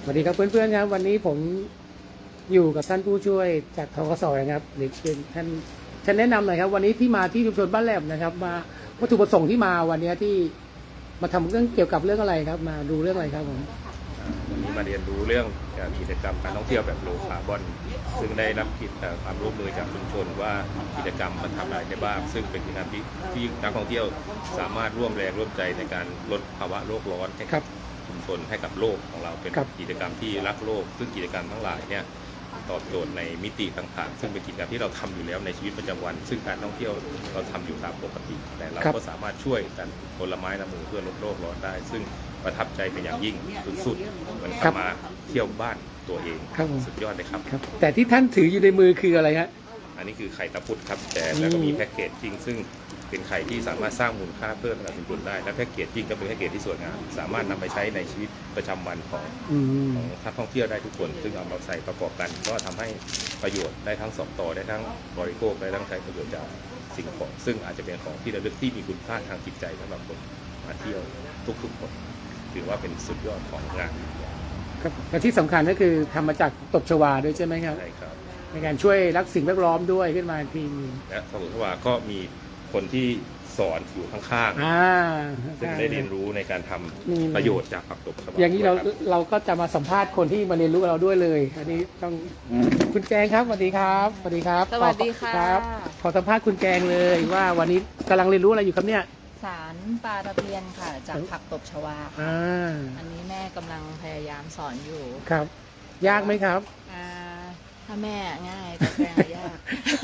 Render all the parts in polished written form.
วัสดีครับเพื่อนๆครับวันนี้ผมอยู่กับท่านผู้ช่วยจากทกสนะครับหรือเป็นท่านแนะนำหน่อยครับวันนี้ที่มาที่ชุมชนบ้านแหลมนะครับมาวัตถุประสงค์ที่มาวันนี้ที่มาทำเรื่องเกี่ยวกับเรื่องอะไรครับมาดูเรื่องอะไรครับผมวันนี้มาเรียนรู้เรื่องกิจกรรมการท่องเที่ยวแบบโลคาร์บอนซึ่งได้รับความร่วมมือจากชุมชนว่ากิจกรรมมันทำอะไรได้บ้างซึ่งเป็นกิจกรรมที่นักท่องเที่ยวสามารถร่วมแรงร่วมใจในการลดภาวะโลกร้อนให้กับชุมชนให้กับโลกของเราเป็นกิจกรรมที่รักโลกซึ่งกิจกรรมทั้งหลายเนี่ยตอบโจทย์ในมิติต่างๆซึ่งเป็นกิจกรรมที่เราทำอยู่แล้วในชีวิตประจำวันซึ่งการท่องเที่ยวเราทำอยู่ตามปกติแต่เราก็สามารถช่วยกันคนละไม้ละมือเพื่อลดโลกร้อนได้ซึ่งประทับใจเป็นอย่างยิ่งสุดๆมันมาเที่ยวบ้านตัวเองสุดยอดเลยครับแต่ที่ท่านถืออยู่ในมือคืออะไรฮะอันนี้คือไข่ตะพุดครับแต่แล้วก็มีแพ็กเกจจริงซึ่งเป็นไข่ที่สามารถสร้างมูลค่าเพิ่มกับชุมชนได้และแพ็กเกจจริงก็เป็นแพ็กเกจที่สวยงามสามารถนำไปใช้ในชีวิตประจำวันของนักท่องเที่ยวได้ทุกคนซึ่งเอามาใส่ประกอบกันก็ทำให้ประโยชน์ได้ทั้งสองต่อได้ทั้งบริโภคได้ทั้งใช้ประโยชน์จากสิ่งของซึ่งอาจจะเป็นของที่ระลึกที่มีคุณค่าทางจิตใจสำหรับคนมาเที่ยวทุกๆคนถือว่าเป็นสุดยอดของงานครับและที่สำคัญก็คือทำมาจากตบชวาด้วยใช่ไหมครับใช่ครับในการช่วยรักสิ่งแวดล้อมด้วยขึ้นมาทีและตบชวาก็มีคนที่สอนอยู่ข้างๆซึ่งได้เรียนรู้ในการทำประโยชน์จากผักตบชวาอย่างนี้เราก็จะมาสัมภาษณ์คนที่มาเรียนรู้กับเราด้วยเลยอันนี้ต้องคุณแจงครับสวัสดีครับสวัสดีครับสวัสดีค่ะขอสัมภาษณ์คุณแจงเลยว่าวันนี้กำลังเรียนรู้อะไรอยู่ครับเนี่ยสารปลาตะเพียนค่ะจากผักตบชวาค่ะอันนี้แม่กำลังพยายามสอนอยู่ครับยากไหมครับถ้าแม่ง่ายแต่แจงยาก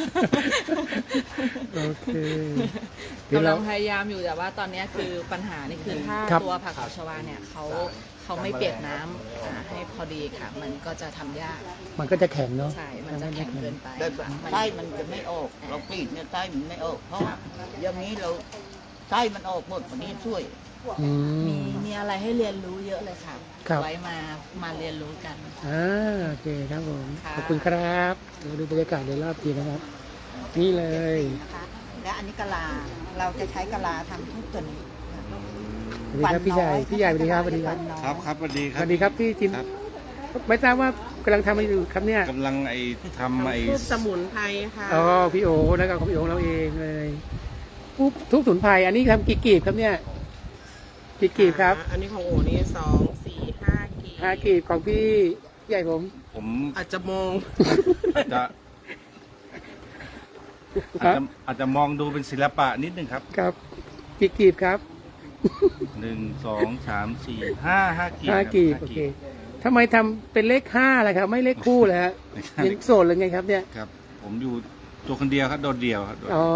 โอเคกำลังพยายามอยู่แต่ว่าตอนนี้คือปัญหานี่คือถ้าตัวผักตบชวาเนี่ยเขาไม่เปียกน้ำให้พอดีค่ะมันก็จะทำยากมันก็จะแข็งเนาะใช่มันจะแข็งเกินไปไส้มันจะไม่ออกเรากรีดเนี่ยไส้มันไม่ออกเพราะอย่างนี้เราไส้มันออกหมดวันนี้ช่วยมีอะไรให้เรียนรู้เยอะเลยค่ะไว้มาเรียนรู้กันโอเคครับผมขอบคุณครับเราดูบรรยากาศในรอบทีนะครับนี่เลยและอันนี้กะลาเราจะใช้กะลาทำทุกตัวนี้สวัสดีครับพี่ใหญ่สวัสดีครับสวัสดีครับครับสวัสดีครับสวัสดีครับพี่จินไม่ทราบว่ากำลังทำอะไรอยู่ครับเนี่ยกำลังทำทุบสมุนไพรค่ะอ๋อพี่โอนะครับของพี่โอเราเองเลยทุบสมุนไพรอันนี้ทำกี่กีบครับเนี่ยกี่กีบครับอันนี้ของโอนี่2 4 5 กีบของพี่ใหญ่ผมอาจจะมองอาจจะมองดูเป็นศิลปะนิดนึงครับครับกี่กีบครับ 1 2 3 4 5กีบโอเคทำไมทำเป็นเลข5ล่ะครับไม่เลขคู่เลยฮะยังโสดเลยไงครับเนี่ยครับผมอยู่ตัวคนเดียวครับโดดเดี่ยวครับอ๋อ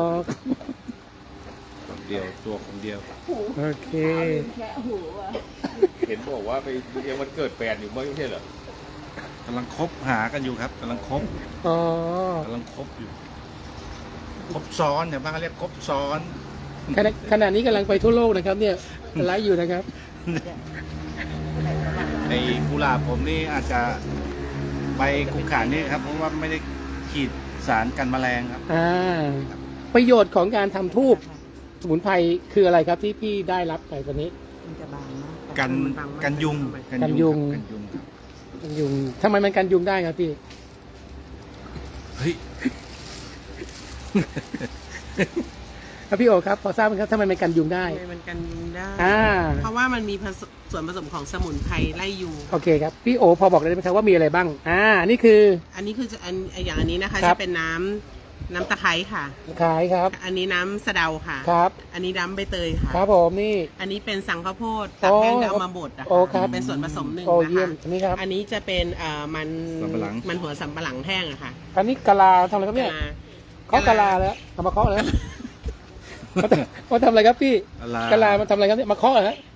เดียวตัวคนเดียวโอเคเห็นบอกว่าไปเรียนวันเกิดแฟนอยู่ไม่ใช่เหรอกำลังคบหากันอยู่ครับกำลังคบกำลังคบอยู่คบซ้อนเนี่ยบ้างเรียกคบซ้อนขณะนี้กำลังไปทั่วโลกนะครับเนี่ยไลฟ์อยู่นะครับในกุหลาบผมนี่อาจจะไปกุขานนี่ครับเพราะว่าไม่ได้ฉีดสารกันแมลงครับประโยชน์ของการทำทูบสมุนไพรคืออะไรครับที่พี่ได้รับไปวันนี้กันยุงทำไมมันกันยุงได้ครับพี่เฮ้ยครับพี่โอครับพอทราบไหมครับทำไมมันกันยุงได้มันกันยุงได้เพราะว่ามันมีส่วนผสมของสมุนไพรไล่ยุงโอเคครับพี่โอพอบอกได้ไหมครับว่ามีอะไรบ้างนี่คืออย่างอันนี้นะคะจะเป็นน้ำตะไคร้ค่ะตะไคร้ครับอันนี้น้ำสะเดาค่ะครับอันนี้น้ำใบเตยค่ะครับผมนี่อันนี้เป็นสังข้าวโพดตัดแห้งแล้วเอามาบดนะคะเป็นส่วนผสมหนึ่งนะคะอันนี้จะเป็นมันหัวสำปะหลังแห้งอะค่ะอันนี้กะลาทำอะไรครับเนี่ยเคาะกะลาแล้วเอามาเคาะแล้วเขาทำอะไรครับพี่กะลามันทำอะไรครับเนี่ยมาเคาะเหรอฮะ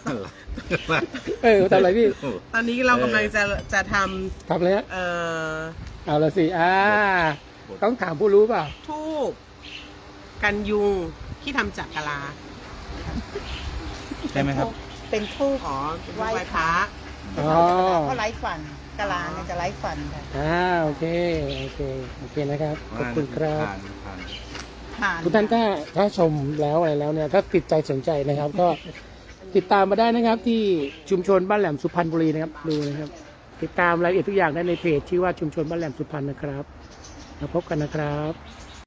ทำอะไรพี่ตอนนี้เรากำลังจะทำอะไรฮะเอาละสิต้องถามผู้รู้เปล่าทูบกันยุงที่ทำจากกะลาใช่ไหมครับเป็นทูบไหว้พระเพราะไร้ฟันกะลาเนี่ยจะไร้ฟันค่ะโอเคนะครับขอบคุณครับทุกท่านถ้าชมแล้วอะไรแล้วเนี่ยถ้าติดใจสนใจนะครับก็ติดตามมาได้นะครับที่ชุมชนบ้านแหลมสุพรรณบุรีนะครับดูนะครับติดตามรายละเอียดทุกอย่างได้ในเพจชื่อว่าชุมชนบ้านแหลมสุพรรณนะครับมาพบกันนะครับ